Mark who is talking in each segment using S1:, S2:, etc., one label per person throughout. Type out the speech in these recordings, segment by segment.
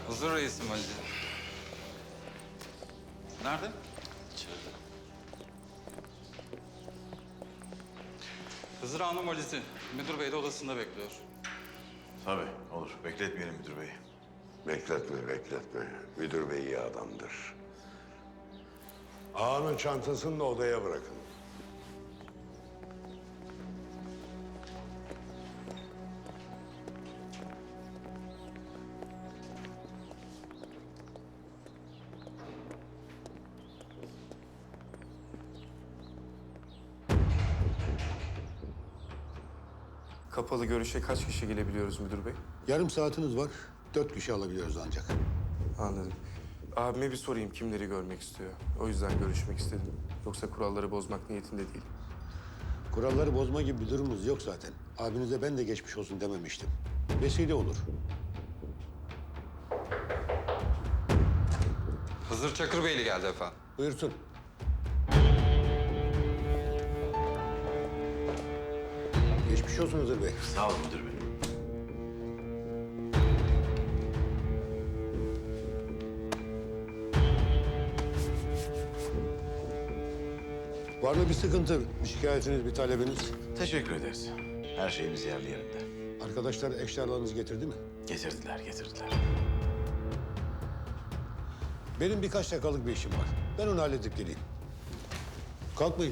S1: Huzur reisim valizi. Nerede?
S2: İçeride.
S1: Hızır Hanım valizi. Müdür bey de odasında bekliyor.
S2: Tabii olur. Bekletmeyelim müdür bey.
S3: Bekletme. Müdür bey iyi adamdır. Ağanın çantasını da odaya bırakın.
S4: Kapalı görüşe kaç kişi gelebiliyoruz müdür bey?
S5: Yarım saatiniz var. 4 kişi alabiliyoruz ancak.
S4: Anladım. Abime bir sorayım kimleri görmek istiyor. O yüzden görüşmek istedim. Yoksa kuralları bozmak niyetinde değil.
S5: Kuralları bozma gibi bir durumumuz yok zaten. Abinize ben de geçmiş olsun dememiştim. Vesile olur.
S1: Hızır Çakır Beyli geldi efendim.
S5: Buyursun. Geçmiş olsun Hızır Bey.
S2: Sağ olun müdür bey.
S5: Var mı bir sıkıntı, bir şikayetiniz, bir talebiniz?
S2: Teşekkür ederiz. Her şeyimiz yerli yerinde.
S5: Arkadaşlar eşyalarınızı getirdi mi?
S2: Getirdiler.
S5: Benim birkaç dakikalık bir işim var. Ben onu halledip geleyim. Kalkmayın.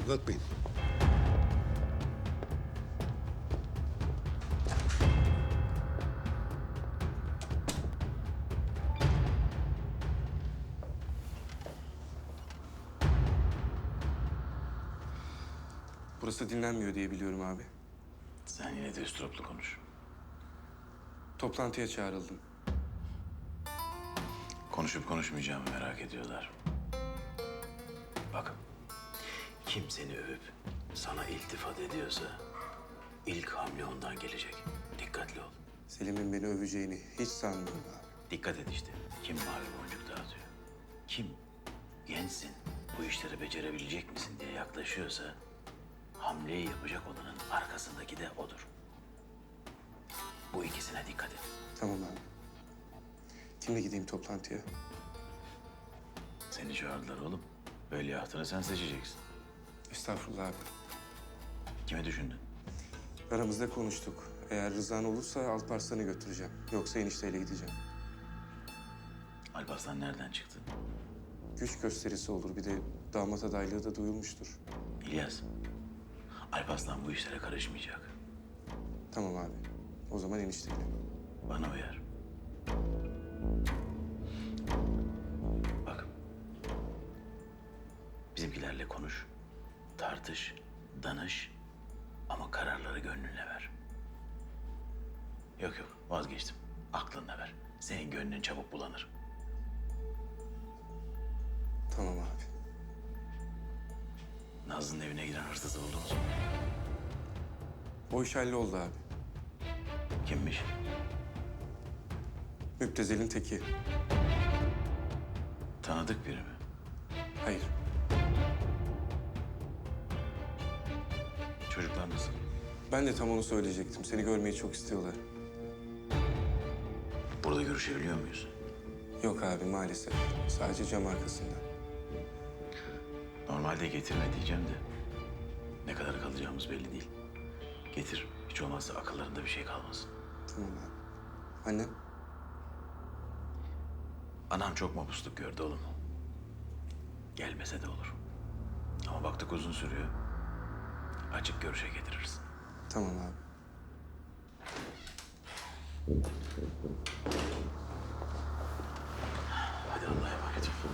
S4: Burası dinlenmiyor diye biliyorum abi.
S2: Sen yine de üstüroplu konuş.
S4: Toplantıya çağrıldım.
S2: Konuşup konuşmayacağımı merak ediyorlar. Bakın, kim seni övüp sana iltifat ediyorsa ilk hamle ondan gelecek. Dikkatli ol.
S4: Selim'in beni öveceğini hiç sanmıyorum abi.
S2: Dikkat et işte. Kim mavi boncuk dağıtıyor? Kim gençsin, bu işleri becerebilecek misin diye yaklaşıyorsa hamleyi yapacak olanın arkasındaki de odur. Bu ikisine dikkat et.
S4: Tamam abi. Kimle gideyim toplantıya?
S2: Seni çağırdılar oğlum. Veliahtını sen seçeceksin.
S4: Estağfurullah abi.
S2: Kime düşündün?
S4: Aramızda konuştuk. Eğer rızan olursa Alparslan'ı götüreceğim. Yoksa enişteyle gideceğim.
S2: Alparslan nereden çıktı?
S4: Güç gösterisi olur. Bir de damat adaylığı da duyulmuştur.
S2: İlyas, Alparslan bu işlere karışmayacak.
S4: Tamam abi. O zaman enişteyle.
S2: Bana uyar. Bak, bizimkilerle konuş, tartış, danış ama kararları gönlünle ver. Yok vazgeçtim. Aklınla ver. Senin gönlün çabuk bulanır.
S4: Tamam abi.
S2: Nazlı'nın evine giren hırsızı buldunuz mu?
S4: O iş halloldu abi.
S2: Kimmiş?
S4: Müptezel'in teki.
S2: Tanıdık biri mi?
S4: Hayır.
S2: Çocuklar nasıl?
S4: Ben de tam onu söyleyecektim. Seni görmeyi çok istiyorlar.
S2: Burada görüşebiliyor muyuz?
S4: Yok abi maalesef. Sadece cam arkasında.
S2: Normalde getirme diyeceğim de ne kadar kalacağımız belli değil. Getir. Hiç olmazsa akıllarında bir şey kalmasın.
S4: Tamam abi. Annem?
S2: Anam çok mapusluk gördü oğlum. Gelmese de olur. Ama baktık uzun sürüyor. Açık görüşe getiririz.
S4: Tamam abi.
S2: Hadi Allah'a emanet ol.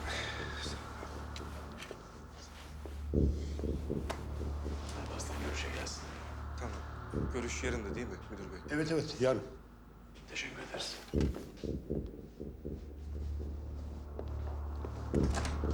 S2: Alparslan görüşe gelsin.
S4: Tamam. Görüş yarın da değil mi müdür bey?
S5: Evet, yarın.
S2: Teşekkür ederiz.